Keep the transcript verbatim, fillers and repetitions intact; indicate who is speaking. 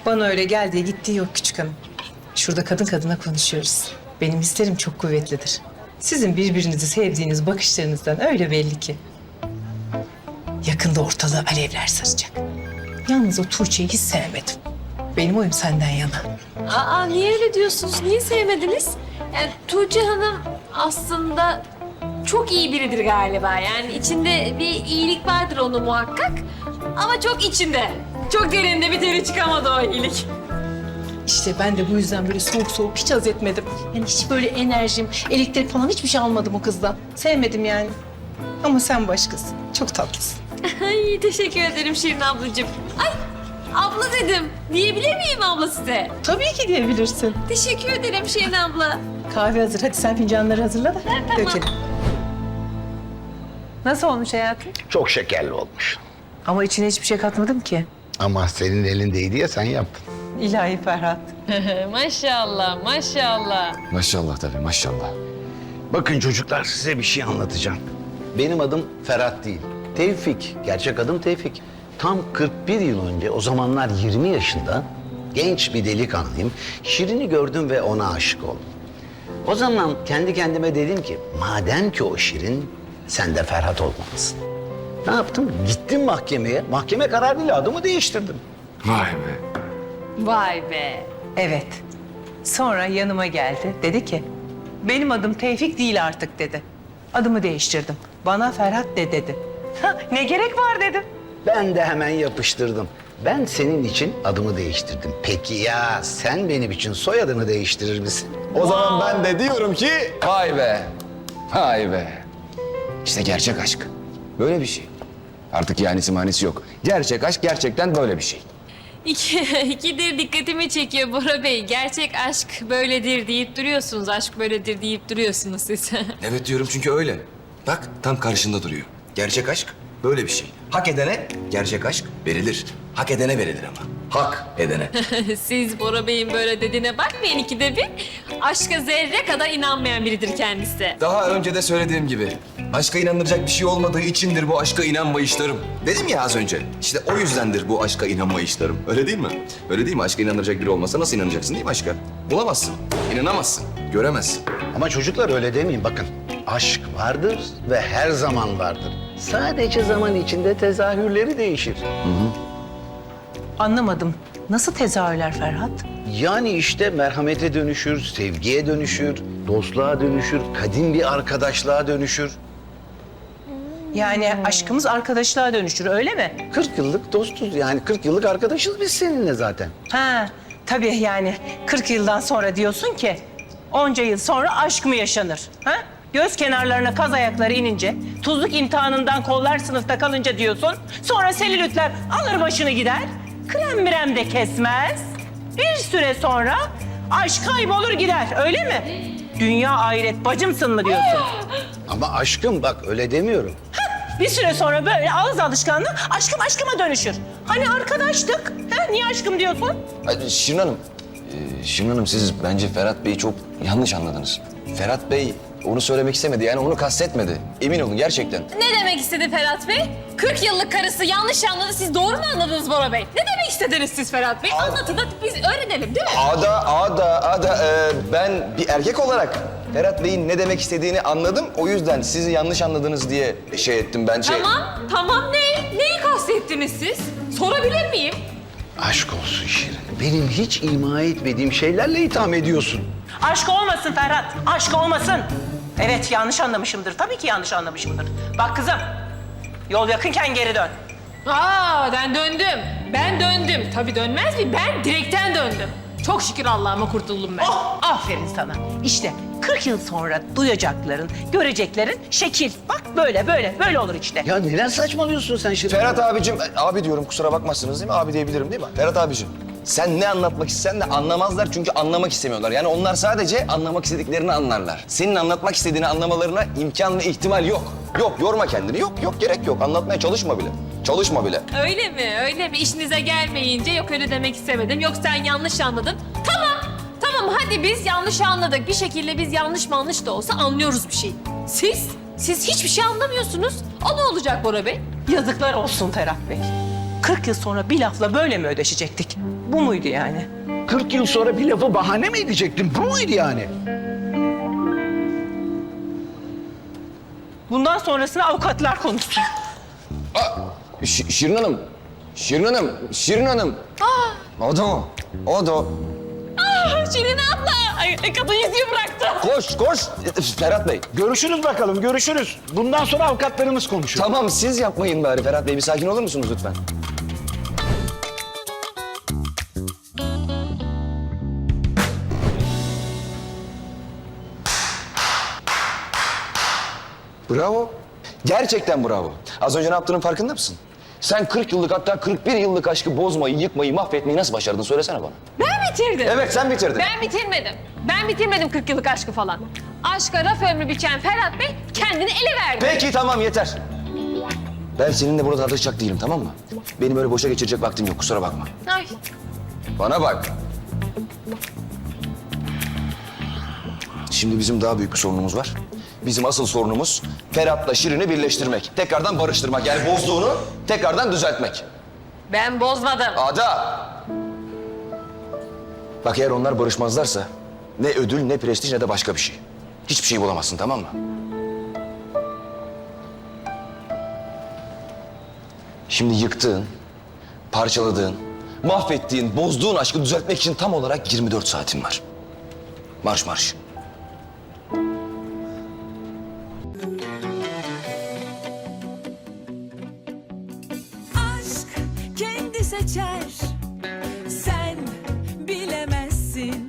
Speaker 1: Bana öyle geldiği gittiği yok küçük hanım. Şurada kadın kadına konuşuyoruz. Benim hislerim çok kuvvetlidir. Sizin birbirinizi sevdiğiniz bakışlarınızdan öyle belli ki. Yakında ortalığı alevler saracak. Yalnız o Tuğçe'yi hiç sevmedim. Benim oyum senden yana.
Speaker 2: Aa, niye öyle diyorsunuz? Niye sevmediniz? Yani Tuğçe Hanım aslında çok iyi biridir galiba. Yani içinde bir iyilik vardır onun muhakkak. Ama çok içinde. Çok derinde bir teri çıkamadı o iyilik.
Speaker 1: İşte ben de bu yüzden böyle soğuk soğuk hiç haz etmedim. Yani hiç böyle enerjim, elektrik falan hiçbir şey almadım o kızdan. Sevmedim yani. Ama sen başkasın. Çok tatlısın.
Speaker 2: Ay teşekkür ederim Şirin ablacığım. Ay abla dedim. Diyebilir miyim abla size?
Speaker 1: Tabii ki diyebilirsin.
Speaker 2: Teşekkür ederim Şirin abla.
Speaker 1: Kahve hazır. Hadi sen fincanları hazırla da
Speaker 2: tamam.
Speaker 1: dökelim. Nasıl olmuş hayatım?
Speaker 3: Çok şekerli olmuş.
Speaker 1: Ama içine hiçbir şey katmadım ki.
Speaker 3: Ama senin elindeydi ya sen yaptın.
Speaker 1: İlahi Ferhat.
Speaker 2: Maşallah maşallah.
Speaker 4: Maşallah tabii maşallah.
Speaker 3: Bakın çocuklar size bir şey anlatacağım. Benim adım Ferhat değil. Tevfik. Gerçek adım Tevfik. Tam kırk bir yıl önce o zamanlar yirmi yaşında genç bir delikanlıyım. Şirin'i gördüm ve ona aşık oldum. O zaman kendi kendime dedim ki madem ki o Şirin sen de Ferhat olmalısın. Ne yaptım? Gittim mahkemeye. Mahkeme kararıyla adımı değiştirdim.
Speaker 4: Vay be.
Speaker 2: Vay be.
Speaker 1: Evet. Sonra yanıma geldi. Dedi ki, benim adım Tevfik değil artık dedi. Adımı değiştirdim. Bana Ferhat de dedi. Ha, ne gerek var dedim.
Speaker 3: Ben de hemen yapıştırdım. Ben senin için adımı değiştirdim. Peki ya sen benim için soyadını değiştirir misin?
Speaker 4: O zaman ben de diyorum ki vay be. Vay be. İşte gerçek aşk. Böyle bir şey. Artık yanisi manisi yok. Gerçek aşk gerçekten böyle bir şey.
Speaker 2: İki, ikidir dikkatimi çekiyor Bora Bey. Gerçek aşk böyledir deyip duruyorsunuz. Aşk böyledir deyip duruyorsunuz siz.
Speaker 4: Evet diyorum çünkü öyle. Bak tam karşında duruyor. Gerçek aşk böyle bir şey. Hak edene gerçek aşk verilir. Hak edene verilir ama. Hak edene.
Speaker 2: Siz Bora Bey'in böyle dediğine bakmayın ikide bir. Aşka zerre kadar inanmayan biridir kendisi.
Speaker 4: Daha önce de söylediğim gibi aşka inanılacak bir şey olmadığı içindir bu aşka inanmayışlarım. Dedim ya az önce. İşte o yüzdendir bu aşka inanmayışlarım. Öyle değil mi? Öyle değil mi? Aşka inanılacak biri olmasa nasıl inanacaksın değil mi aşka? Bulamazsın, inanamazsın, göremezsin.
Speaker 3: Ama çocuklar öyle demeyin bakın. Aşk vardır ve her zaman vardır. Sadece zaman içinde tezahürleri değişir.
Speaker 1: Anlamadım. Nasıl tezahürler Ferhat?
Speaker 3: Yani işte merhamete dönüşür, sevgiye dönüşür, dostluğa dönüşür, kadim bir arkadaşlığa dönüşür.
Speaker 1: Yani aşkımız arkadaşlığa dönüşür öyle mi?
Speaker 3: kırk yıllık dostuz yani kırk yıllık arkadaşız biz seninle zaten.
Speaker 1: Ha, tabii yani kırk yıldan sonra diyorsun ki onca yıl sonra aşk mı yaşanır? Ha? Göz kenarlarına kaz ayakları inince, tuzluk imtihanından kollar sınıfta kalınca diyorsun. Sonra selülitler alır başını gider, krem mirem de kesmez. Bir süre sonra aşk kaybolur gider öyle mi? Dünya ahiret bacımsın mı diyorsun?
Speaker 3: Ama aşkım bak öyle demiyorum.
Speaker 1: Bir süre sonra böyle ağız alışkanlığı aşkım aşkıma dönüşür. Hani arkadaştık, ha? Niye aşkım diyorsun?
Speaker 4: Ay, Şirin Hanım, e, Şirin Hanım siz bence Ferhat Bey'i çok yanlış anladınız. Ferhat Bey onu söylemek istemedi yani onu kastetmedi. Emin olun gerçekten.
Speaker 2: Ne demek istedi Ferhat Bey? kırk yıllık karısı yanlış anladı. Siz doğru mu anladınız Bora Bey? Ne demek istediniz siz Ferhat Bey? Anlatın da biz öğrenelim değil mi?
Speaker 4: Ada, ada, ada e, ben bir erkek olarak Ferhat Bey'in ne demek istediğini anladım. O yüzden sizi yanlış anladınız diye şey ettim ben şey.
Speaker 2: Tamam, tamam ne? Neyi kastettiniz siz? Sorabilir miyim?
Speaker 3: Aşk olsun Şirin. Benim hiç ima etmediğim şeylerle itham ediyorsun.
Speaker 1: Aşk olmasın Ferhat, aşk olmasın. Evet, yanlış anlamışımdır. Tabii ki yanlış anlamışımdır. Bak kızım, yol yakınken geri dön.
Speaker 2: Aa ben döndüm. Ben döndüm. Tabii dönmez mi? Ben direkten döndüm. Çok şükür Allah'ıma kurtuldum ben.
Speaker 1: Oh, aferin sana. İşte kırk yıl sonra duyacakların, göreceklerin şekil. Bak böyle, böyle, böyle olur işte.
Speaker 3: Ya neler saçmalıyorsun sen Şirin?
Speaker 4: Ferhat abicim, abi diyorum kusura bakmazsınız değil mi? Abi diyebilirim değil mi? Ferhat abicim, sen ne anlatmak istesen de anlamazlar çünkü anlamak istemiyorlar. Yani onlar sadece anlamak istediklerini anlarlar. Senin anlatmak istediğini anlamalarına imkan ve ihtimal yok. Yok, yorma kendini. Yok, yok gerek yok. Anlatmaya çalışma bile. Çalışma bile.
Speaker 2: Öyle mi? Öyle mi? İşinize gelmeyince yok öyle demek istemedim. Yok sen yanlış anladın. Tamam. Tamam hadi biz yanlış anladık. Bir şekilde biz yanlış manlış da olsa anlıyoruz bir şey. Siz? Siz hiçbir şey anlamıyorsunuz. O ne olacak Bora Bey?
Speaker 1: Yazıklar olsun Ferhat Bey. kırk yıl sonra bir lafla böyle mi ödeşecektik? Bu muydu yani?
Speaker 3: kırk yıl sonra bir lafı bahane mi edecektin? Bu muydu yani?
Speaker 1: Bundan sonrasını avukatlar konuşsun.
Speaker 4: Ş- Şirin Hanım, Şirin Hanım, Şirin Hanım. O da o, o da o.
Speaker 2: Şirin abla. Ay, kadın yüzüğü bıraktı.
Speaker 4: Koş, koş. Ferhat Bey.
Speaker 3: Görüşürüz bakalım, görüşürüz. Bundan sonra avukatlarımız konuşuyor.
Speaker 4: Tamam, siz yapmayın bari Ferhat Bey. Bir sakin olur musunuz lütfen? Bravo. Gerçekten bravo. Az önce ne yaptığının farkında mısın? Sen kırk yıllık hatta kırk bir yıllık aşkı bozmayı, yıkmayı, mahvetmeyi nasıl başardın? Söylesene bana.
Speaker 2: Ben bitirdim.
Speaker 4: Evet, sen bitirdin.
Speaker 2: Ben bitirmedim. Ben bitirmedim kırk yıllık aşkı falan. Aşka raf ömrü biçen Ferhat Bey kendini ele verdi.
Speaker 4: Peki, tamam, yeter. Ben seninle burada tartışacak değilim, tamam mı? Benim öyle boşa geçirecek vaktim yok, kusura bakma.
Speaker 2: Ay.
Speaker 4: Bana bak. Şimdi bizim daha büyük bir sorunumuz var. Bizim asıl sorunumuz Ferhat'la Şirin'i birleştirmek. Tekrardan barıştırmak. Yani bozduğunu tekrardan düzeltmek.
Speaker 2: Ben bozmadım.
Speaker 4: Ada! Bak, eğer onlar barışmazlarsa ne ödül, ne prestij, ne de başka bir şey. Hiçbir şey bulamazsın, tamam mı? Şimdi yıktığın, parçaladığın, mahvettiğin, bozduğun aşkı düzeltmek için tam olarak yirmi dört saatin var. Marş marş.
Speaker 5: aşk kendi seçer